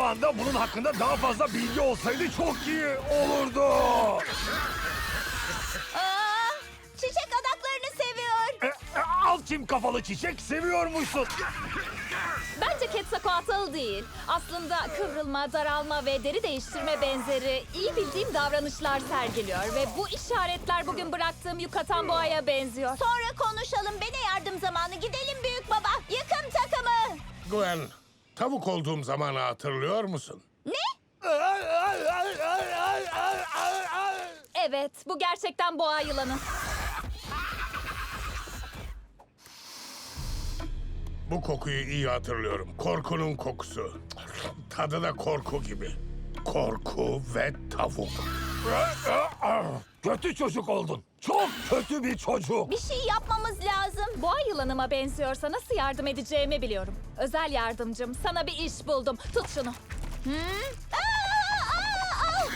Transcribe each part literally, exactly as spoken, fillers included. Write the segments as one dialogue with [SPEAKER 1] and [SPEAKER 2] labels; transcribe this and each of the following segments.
[SPEAKER 1] anda bunun hakkında daha fazla bilgi olsaydı çok iyi olurdu.
[SPEAKER 2] Aa, çiçek adaklarını seviyor.
[SPEAKER 1] E, e, al çim kafalı çiçek, seviyormuşsun.
[SPEAKER 3] Bence Quetzalcoatl değil. Aslında kıvrılma, daralma ve deri değiştirme benzeri iyi bildiğim davranışlar sergiliyor. Ve bu işaretler bugün bıraktığım Yucatan boğaya benziyor.
[SPEAKER 2] Sonra konuşalım. Bene yardım zamanı. Gidelim büyük baba. Yıkım takımı.
[SPEAKER 4] Gwen, tavuk olduğum zamanı hatırlıyor musun?
[SPEAKER 2] Ne?
[SPEAKER 3] Evet, bu gerçekten boğa yılanı.
[SPEAKER 4] Bu kokuyu iyi hatırlıyorum. Korkunun kokusu. Tadı da korku gibi. Korku ve tavuk.
[SPEAKER 1] Kötü çocuk oldun. Çok kötü bir çocuk.
[SPEAKER 2] Bir şey yapmamız lazım.
[SPEAKER 3] Boğa yılanıma benziyorsa nasıl yardım edeceğimi biliyorum. Özel yardımcım, sana bir iş buldum. Tut şunu.
[SPEAKER 2] Aa, aa, aa.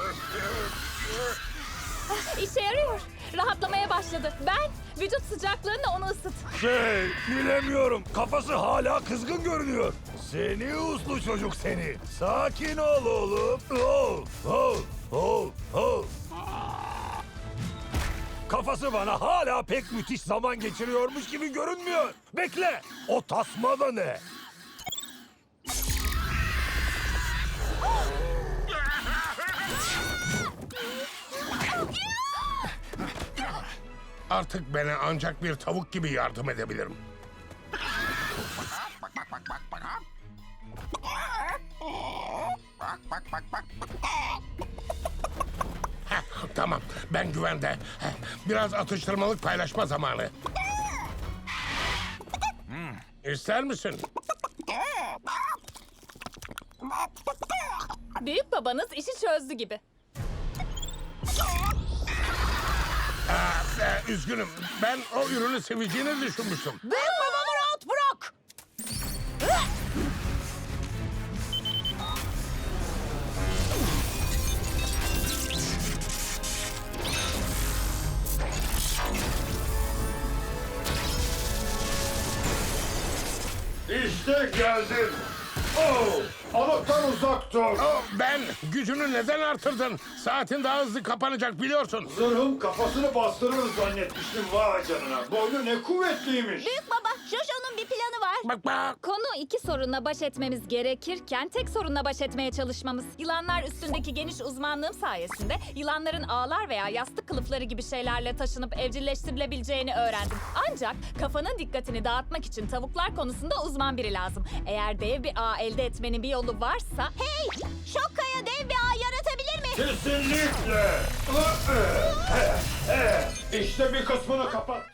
[SPEAKER 3] Ah, İşe yarıyor. Rahatlamaya başladı. Ben vücut sıcaklığında onu ısıt.
[SPEAKER 1] Şey, bilemiyorum. Kafası hala kızgın görünüyor. Seni uslu çocuk seni. Sakin ol oğlum. Oh, oh, oh, oh. Kafası bana hala pek müthiş zaman geçiriyormuş gibi görünmüyor. Bekle, o tasma da ne?
[SPEAKER 4] Artık bana ancak bir tavuk gibi yardım edebilirim. Heh, tamam, ben güvende. Heh, biraz atıştırmalık paylaşma zamanı. İster misin?
[SPEAKER 3] Büyük babanız işi çözdü gibi.
[SPEAKER 4] Ee, üzgünüm, ben o ürünü seveceğini düşünmüştüm.
[SPEAKER 2] Büyük babamı rahat bırak.
[SPEAKER 5] İşte geldin. Oh, alıktan uzak dur.
[SPEAKER 4] Oh, ben gücünü neden artırdın? Saatin daha hızlı kapanacak biliyorsun.
[SPEAKER 5] Zırhım kafasını bastırır zannetmiştim, vay canına. Boynu ne kuvvetliymiş.
[SPEAKER 2] Büyük baba, Jojo'nun bir planı var.
[SPEAKER 4] Bak bak.
[SPEAKER 3] Konu iki sorunla baş etmemiz gerekirken tek sorunla baş etmeye çalışmamız. Yılanlar üstündeki geniş uzmanlığım sayesinde yılanların ağlar veya yastık kılıfları gibi şeylerle taşınıp evcilleştirilebileceğini öğrendim. Ancak kafanın dikkatini dağıtmak için tavuklar konusunda uzman biri lazım. Eğer dev bir ağ elde etmenin bir yolu varsa...
[SPEAKER 2] Hey, Şokkaya dev bir ağ yaratabilir mi?
[SPEAKER 5] Kesinlikle. İşte bir kısmını kapat.